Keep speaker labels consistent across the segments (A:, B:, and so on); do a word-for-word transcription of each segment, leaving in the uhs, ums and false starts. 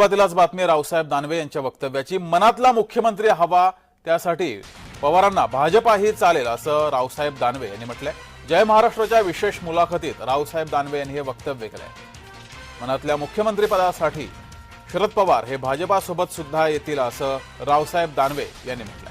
A: सुरुवातीलाच बातमी रावसाहेब दानवे यांच्या वक्तव्याची। मनातला मुख्यमंत्री हवा, त्यासाठी पवारांना भाजपाही चालेल असं रावसाहेब दानवे यांनी म्हटलंय। जय महाराष्ट्राच्या विशेष मुलाखतीत रावसाहेब दानवे यांनी हे वक्तव्य केलंय। मनातल्या मुख्यमंत्री पदासाठी शरद पवार हे भाजपासोबत सुद्धा येतील असं रावसाहेब दानवे यांनी म्हटलंय।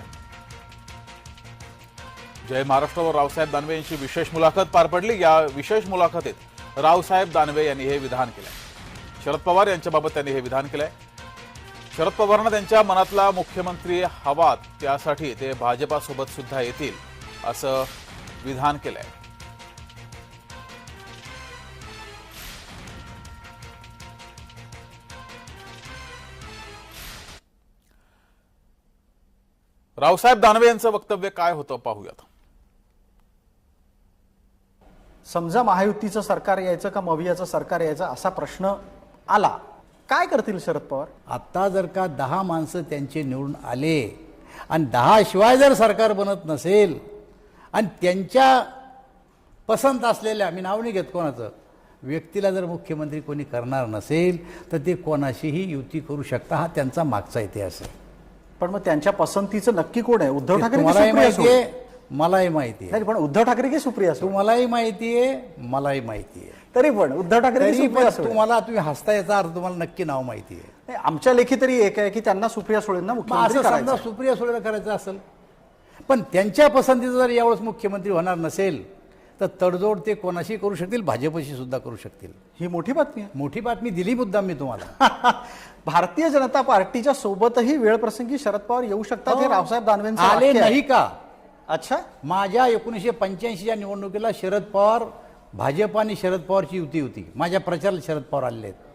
A: जय महाराष्ट्रावर रावसाहेब दानवे यांची विशेष मुलाखत पार पडली। या विशेष मुलाखतीत रावसाहेब दानवे यांनी हे विधान केलंय। शरद पवार यांच्याबाबत त्यांनी हे विधान केलंय। शरद पवारांना त्यांच्या मनातला मुख्यमंत्री हवा, त्यासाठी ते भाजपासोबत सुद्धा येतील असं विधान केलंय। रावसाहेब दानवे यांचं वक्तव्य काय होतं पाहूयात।
B: समजा महायुतीचं सरकार यायचं का मवियाचं सरकार यायचं असा प्रश्न आला, काय करतील शरद पवार?
C: आता जर का दहा माणसं त्यांचे निवडून आले आणि दहा शिवाय जर सरकार बनत नसेल आणि त्यांच्या पसंत असलेल्या, मी नाव नाही घेत कोणाचं, व्यक्तीला जर मुख्यमंत्री कोणी करणार नसेल तर ते कोणाशीही युती करू शकता, हा त्यांचा मागचा इतिहास आहे।
B: पण मग त्यांच्या पसंतीचं नक्की कोण आहे? उद्धव ठाकरे की
C: मलाही
B: सुप्रिया
C: माहिती
B: सुळे?
C: आहे, मलाही माहिती आहे।
B: नाही, पण उद्धव ठाकरे की सुप्रिया सुळे?
C: तुम्हालाही माहिती आहे, मलाही माहिती आहे।
B: तरी पण उद्धव ठाकरे की
C: तरी
B: सुप्रिया
C: पण
B: सुळे?
C: तुम्हाला, तुम्ही हसता, याचा अर्थ तुम्हाला नक्की नाव माहिती आहे।
B: नाही, आमच्या लेखी तरी एक आहे की त्यांना सुप्रिया सुळेंना
C: मग
B: मुख्यमंत्री
C: असं
B: करायचं
C: समजा
B: आहे।
C: सुप्रिया सुळेला करायचं असेल, पण त्यांच्या पसंतीचं जर यावेळेस मुख्यमंत्री होणार नसेल तर तडजोड ते कोणाशी करू शकतील, भाजपशी सुद्धा करू शकतील।
B: ही मोठी बातमी आहे।
C: मोठी बातमी दिली मुद्दाम मी तुम्हाला।
B: भारतीय जनता पार्टीच्या सोबतही वेळ प्रसंगी शरद पवार येऊ शकतात, हे रावसाहेब दानवेंचं
C: आले
B: वाक्य आहे।
C: नाही का?
B: अच्छा,
C: माझ्या एकोणीसशे पंच्याऐंशीच्या निवडणुकीला शरद पवार, भाजप आणि शरद पवारची युती होती। माझ्या प्रचाराला शरद पवार आलेले आहेत।